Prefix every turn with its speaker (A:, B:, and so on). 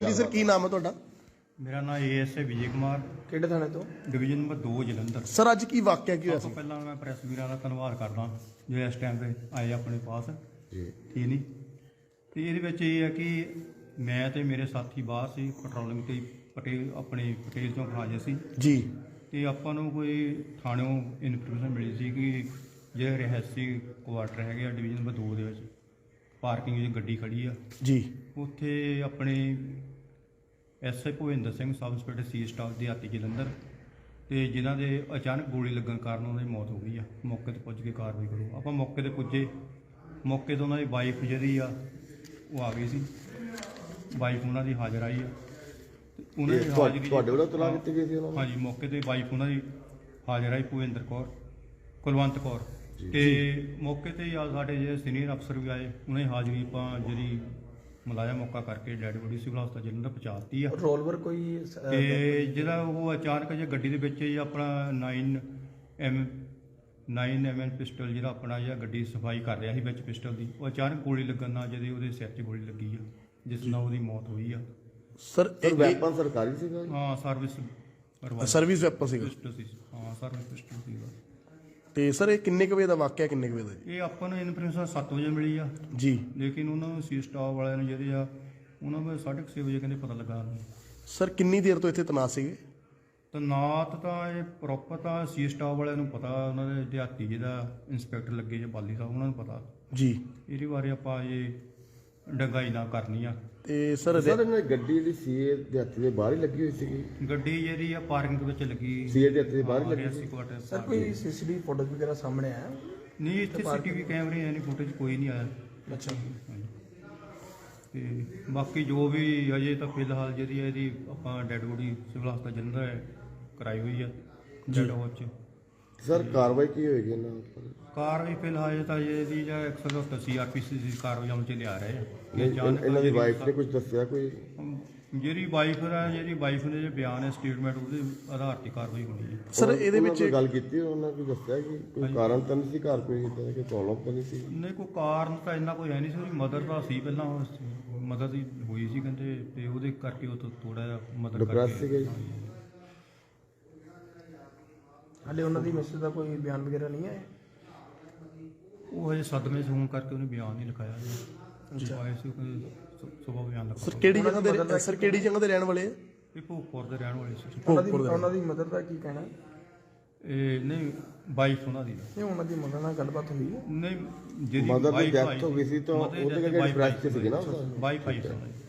A: ਜੀ ਸਰ ਕੀ ਨਾਮ ਹੈ ਤੁਹਾਡਾ?
B: ਮੇਰਾ ਨਾਮ ਏਐਸਏ ਵਿਜੇ ਕੁਮਾਰ,
A: ਕਿਹੜੇ ਥਾਣੇ ਤੋਂ?
B: Division number 2 Jalandhar.
A: ਸਰ ਅੱਜ ਕੀ ਵਾਕਿਆ ਕੀ ਹੋਇਆ
B: ਸਭ
A: ਸੀ?
B: ਤੋਂ ਪਹਿਲਾਂ ਮੈਂ ਪ੍ਰੈਸ ਵੀਰਾਂ ਦਾ ਧੰਨਵਾਦ ਕਰਦਾ ਜੋ ਇਸ ਟਾਈਮ ਤੇ ਆਏ ਆਪਣੇ ਪਾਸ
A: ਜੀ
B: ਠੀਕ ਨਹੀਂ। ਤੇ ਇਹਦੇ ਵਿੱਚ ਇਹ ਹੈ ਕਿ ਮੈਂ ਤੇ ਮੇਰੇ ਸਾਥੀ ਬਾਹਰ ਸੀ ਪੈਟਰੋਲਿੰਗ ਤੇ ਪਟੇਲ ਚੌਂਕ ਹਾਜ਼ਰ ਸੀ
A: ਜੀ
B: ਤੇ ਆਪਾਂ ਨੂੰ ਕੋਈ ਥਾਣਿਓਂ ਇਨਫੋਰਮੇਸ਼ਨ ਮਿਲੀ ਸੀ ਕਿ ਜਿਹੜੇ ਰਿਹਾਇਸ਼ੀ ਕੁਆਟਰ ਹੈਗੇ ਆ ਡਿਵੀਜ਼ਨ ਨੰਬਰ 2 ਦੇ ਵਿੱਚ ਪਾਰਕਿੰਗ ਵਿੱਚ ਗੱਡੀ ਖੜੀ ਆ
A: ਜੀ
B: ਉੱਥੇ ਆਪਣੇ SI Bhupinder Singh sub inspector C staff ਦਿਹਾਤੀ ਜਲੰਧਰ ਤੇ ਜਿਨ੍ਹਾਂ ਦੇ ਅਚਾਨਕ ਗੋਲੀ ਲੱਗਣ ਕਾਰਨ ਉਹਨਾਂ ਦੀ ਮੌਤ ਹੋ ਗਈ ਆ। ਮੌਕੇ ਤੇ ਪੁੱਜ ਕੇ ਕਾਰਵਾਈ ਕਰੋ। ਆਪਾਂ ਮੌਕੇ ਤੇ ਪੁੱਜੇ, ਮੌਕੇ ਤੋਂ ਉਹਨਾਂ ਦੀ ਵਾਈਫ ਜਿਹੜੀ ਆ ਉਹ ਆ ਗਈ ਸੀ, ਵਾਈਫ ਉਹਨਾਂ ਦੀ ਹਾਜ਼ਰ ਆਈ ਆ ਤੇ ਉਹਨਾਂ ਦੀ ਹਾਜ਼ਰੀ
C: ਤੁਹਾਡੇ ਵੱਲੋਂ ਤਲਾਕ ਦਿੱਤੀ ਗਈ ਸੀ ਉਹਨਾਂ ਨੂੰ?
B: ਹਾਂਜੀ, ਮੌਕੇ ਤੇ ਵਾਈਫ ਉਹਨਾਂ ਦੀ ਹਾਜ਼ਰ ਆਈ ਭੁਪਿੰਦਰ ਕੌਰ, ਕੁਲਵੰਤ ਕੌਰ ਤੇ ਮੌਕੇ ਤੇ ਆ ਸਾਡੇ ਜਿਹੜੇ ਸੀਨੀਅਰ ਅਫਸਰ ਵੀ ਆਏ, ਉਹਨਾਂ ਦੀ ਹਾਜ਼ਰੀ ਆਪਾਂ ਜਿਹੜੀ ਮੁਲਾਜ਼ਮ ਮੌਕਾ ਕਰਕੇ ਡੈਡ ਬੋਡੀ ਸਿਵਲ ਹਸਪਤਾਲ ਜਲੰਧਰ ਪਹੁੰਚਾਤੀ ਆ।
A: ਰਿਵੋਲਵਰ ਕੋਈ
B: ਤੇ ਜਿਹੜਾ ਉਹ ਅਚਾਨਕ ਜੇ ਗੱਡੀ ਦੇ ਵਿੱਚ ਹੀ ਆਪਣਾ 9mm ਪਿਸਟਲ ਜਿਹੜਾ ਆਪਣਾ ਜਿਹੜਾ ਗੱਡੀ ਸਫਾਈ ਕਰ ਰਿਹਾ ਸੀ ਵਿੱਚ ਪਿਸਟਲ ਦੀ, ਉਹ ਅਚਾਨਕ ਗੋਲੀ ਲੱਗਣ ਨਾਲ ਜਿਹਦੇ ਉਹਦੇ ਸਿਰ 'ਚ ਗੋਲੀ ਲੱਗੀ ਆ ਜਿਸ ਨਾਲ ਉਹਦੀ ਮੌਤ ਹੋਈ ਆ।
A: ਸਰ
C: ਵੈਪਨ ਸਰਕਾਰੀ ਸੀਗਾ?
B: ਹਾਂ,
A: ਸਰਵਿਸ ਵੈਪਨ ਸੀਗਾ।
B: ਪਿਸਟਲ ਸੀ। ਹਾਂ, ਸਰਵਿਸ ਪਿਸਟਲ ਸੀਗਾ।
A: ਤੇ ਸਰ ਇਹ ਕਿੰਨੇ ਕੁ ਵਜੇ ਦਾ ਵਾਕਿਆ, ਕਿੰਨੇ ਕੁ ਵਜੇ ਦਾ ਜੀ?
B: ਇਹ ਆਪਾਂ ਨੂੰ ਇਨਫੋਰਮੇਸ਼ਨ 7 ਵਜੇ ਮਿਲੀ ਆ
A: ਜੀ
B: ਲੇਕਿਨ ਉਹਨਾਂ ਨੂੰ ਸੀ ਸਟਾਫ ਵਾਲਿਆਂ ਨੂੰ ਜਿਹੜੇ ਆ ਉਹਨਾਂ ਨੂੰ 6:30 ਵਜੇ ਕਹਿੰਦੇ ਪਤਾ ਲੱਗਾ।
A: ਸਰ ਕਿੰਨੀ ਦੇਰ ਤੋਂ ਇੱਥੇ ਤੈਨਾਤ ਸੀਗੇ?
B: ਤੈਨਾਤ ਤਾਂ ਇਹ ਪ੍ਰੋਪਰ ਤਾਂ ਸੀ ਸਟਾਫ ਵਾਲਿਆਂ ਨੂੰ ਪਤਾ, ਉਹਨਾਂ ਦੇ ਦਿਹਾਤੀ ਜਿਹਦਾ ਇੰਸਪੈਕਟਰ ਲੱਗੇ ਜਾਂ ਬਾਲੀ ਸਾਹਿਬ ਉਹਨਾਂ ਨੂੰ ਪਤਾ
A: ਜੀ।
B: ਇਹਦੇ ਬਾਰੇ ਆਪਾਂ ਇਹ ਡੰਗਾਈ ਨਾ ਕਰਨੀ ਆ।
A: ਤੇ ਸਰ
C: ਇਹਨਾਂ ਦੀ ਗੱਡੀ ਜਿਹੜੀ ਸੀਏ ਦੇ ਹੱਥ ਦੇ ਬਾਹਰ ਹੀ ਲੱਗੀ ਹੋਈ ਸੀਗੀ?
B: ਗੱਡੀ ਜਿਹੜੀ ਆ ਪਾਰਕਿੰਗ ਦੇ ਵਿੱਚ ਲੱਗੀ,
C: ਸੀਏ ਦੇ ਹੱਥ ਦੇ ਬਾਹਰ ਹੀ ਲੱਗੀ
B: ਰਿਆਸੀ ਕੁਆਟਰ।
A: ਸਰ ਕੋਈ ਸੀਸੀਟੀਵੀ ਫੋਟੋ ਵਗੈਰਾ ਸਾਹਮਣੇ ਆਇਆ?
B: ਨਹੀਂ, ਇੱਥੇ ਸੀਟੀਵੀ ਕੈਮਰੇ ਐ ਨਹੀਂ, ਫੁਟੇਜ ਕੋਈ ਨਹੀਂ ਆਇਆ।
A: ਅੱਛਾ
B: ਤੇ ਬਾਕੀ ਜੋ ਵੀ ਅਜੇ ਤਾਂ ਫਿਲਹਾਲ ਜਿਹੜੀ ਹੈ ਇਹਦੀ ਆਪਾਂ ਡੈਡ ਬੋਡੀ ਸਿਵਲ ਹਸਪਤਾਲ ਜਲੰਧਰ ਕਰਾਈ ਹੋਈ ਆ ਡੈਡ ਹਾਊਸ 'ਚ।
C: ਸਰ ਕਾਰਵਾਈ ਕੀ ਹੋਏਗੀ ਇਹਨਾਂ ਉੱਪਰ?
B: ਕਾਰਵਾਈ ਫਿਲਹਾਲ ਤਾਂ ਇਹਦੀ ਜਾਂ 170 CRPC ਦੀ ਕਾਰਵਾਈ ਅਮਲ 'ਚ ਲਿਆ ਰਹੇ ਆ।
C: ਇਹਨਾਂ ਦੀ ਵਾਈਫ ਨੇ ਕੁਝ ਦੱਸਿਆ ਕੋਈ?
B: ਜਿਹੜੀ ਵਾਈਫ ਨੇ ਜੇ ਬਿਆਨ ਹੈ ਸਟੇਟਮੈਂਟ ਉਹਦੇ ਆਧਾਰ ਤੇ ਕਾਰਵਾਈ ਹੋਣੀ ਹੈ।
C: ਸਰ ਇਹਦੇ ਵਿੱਚ ਗੱਲ ਕੀਤੀ ਉਹਨਾਂ ਨੇ ਦੱਸਿਆ ਕਿ ਕੋਈ ਕਾਰਨ ਤਾਂ ਨਹੀਂ ਸੀ ਘਰ, ਕੋਈ ਇਦਾਂ ਕਿ ਪ੍ਰੋਬਲਮ ਤਾਂ ਨਹੀਂ ਸੀ?
B: ਨਹੀਂ, ਕੋਈ ਕਾਰਨ ਤਾਂ ਇੰਨਾ ਕੋਈ ਹੈ ਨਹੀਂ ਸੀ। ਉਹਦੀ ਮਦਰ ਦਾ ਸੀ ਪਹਿਲਾਂ, ਮਦਰ ਦੀ ਹੋਈ ਸੀ ਕਹਿੰਦੇ ਤੇ ਉਹਦੇ ਕਰਕੇ ਉਹ ਥੋੜਾ ਜਿਹਾ ਮਦਰ
C: ਡਿਪਰੈਸ ਸੀਗੇ।
A: ਹਾਲੇ ਉਹਨਾਂ ਦੀ ਮਿਸਿਸ ਦਾ ਕੋਈ ਬਿਆਨ ਵਗੈਰਾ ਨਹੀਂ ਆਇਆ?
B: ਉਹ ਹਜੇ ਸਦਮੇ 'ਚ ਹੋਣ ਕਰਕੇ ਉਹਨੇ ਬਿਆਨ ਨਹੀਂ ਲਿਖਾਇਆ ਜੀ। ਆਏ ਸੀ ਕੋਈ ਸੁਬਾਹ ਬਿਆਨ ਲਿਖਾਇਆ।
A: ਸਰ ਕਿਹੜੀ ਜਗ੍ਹਾ ਦੇ ਰਹਿਣ ਵਾਲੇ ਆ?
B: ਇਹ ਭੋਗਪੁਰ ਦੇ ਰਹਿਣ ਵਾਲੇ ਸੀ।
A: ਉਹਨਾਂ ਦੀ ਮਦਰ ਦਾ ਕੀ ਕਹਿਣਾ?
B: ਇਹ ਨਹੀਂ, ਵਾਈਫ ਉਹਨਾਂ ਦੀ
A: ਨਹੀਂ, ਉਹਨਾਂ ਦੀ ਮਦਰ ਨਾਲ ਗੱਲਬਾਤ ਹੋਈ ਹੈ?
B: ਨਹੀਂ, ਜਿਹੜੀ
C: ਮਦਰ ਦੀ
B: ਵਾਈਫ
C: ਡੈਥ ਹੋ ਗਈ ਸੀ ਤਾਂ ਉਹਦੇ ਕਰਕੇ ਡਿਪਰੈਸ 'ਚ ਸੀਗੇ ਨਾ?
B: ਵਾਈਫ ਆਈ ਸੀ ਉਹਨਾਂ ਦੀ।